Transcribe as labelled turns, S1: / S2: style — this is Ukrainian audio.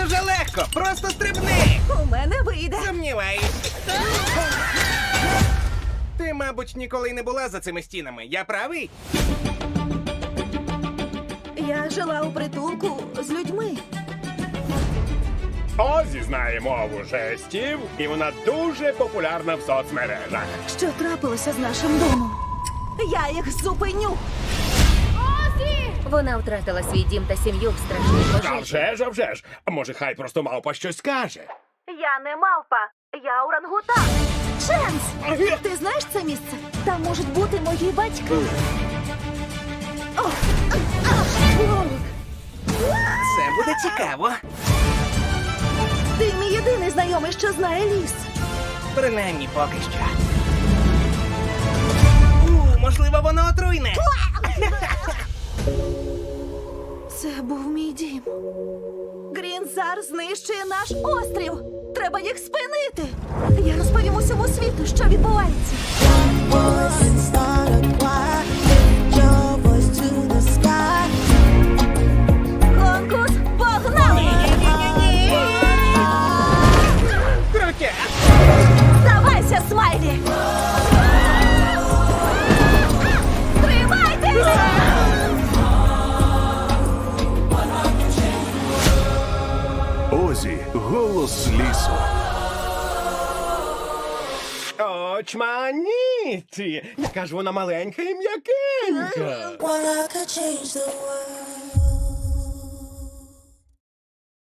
S1: дуже легко. Просто стрибни.
S2: У мене вийде.
S1: Сумніваюсь. Ти, мабуть, ніколи не була за цими стінами. Я правий?
S2: Я жила у притулку з людьми.
S3: Озі знає мову жестів, і вона дуже популярна в соцмережах.
S2: Що трапилося з нашим домом? Я їх зупиню.
S4: Вона втратила свій дім та сім'ю в страшній
S3: А
S4: пожежі.
S3: вже ж, а вже ж. А може, хай просто мавпа щось скаже.
S2: Я не мавпа, я орангутан. Ченс! Ти знаєш це місце? Там можуть бути мої батьки. О!
S1: Це буде цікаво.
S2: Ти мій єдиний знайомий, що знає ліс.
S1: Принаймні поки що. Можливо, воно отруйне.
S2: Це був мій дім. Грінзар знищує наш острів. Треба їх спинити. Я розповім усьому світу, що відбувається.
S5: Voice and start a choir. Lift your voice to the sky.
S2: Конкурс погнали!
S1: Крутя.
S2: Здавайся, Смайлі! Тримайтеся!
S6: Озі, голос лісу.
S3: Очманіті! Яка ж вона маленька і м'якенька.
S5: Well, I could change the world.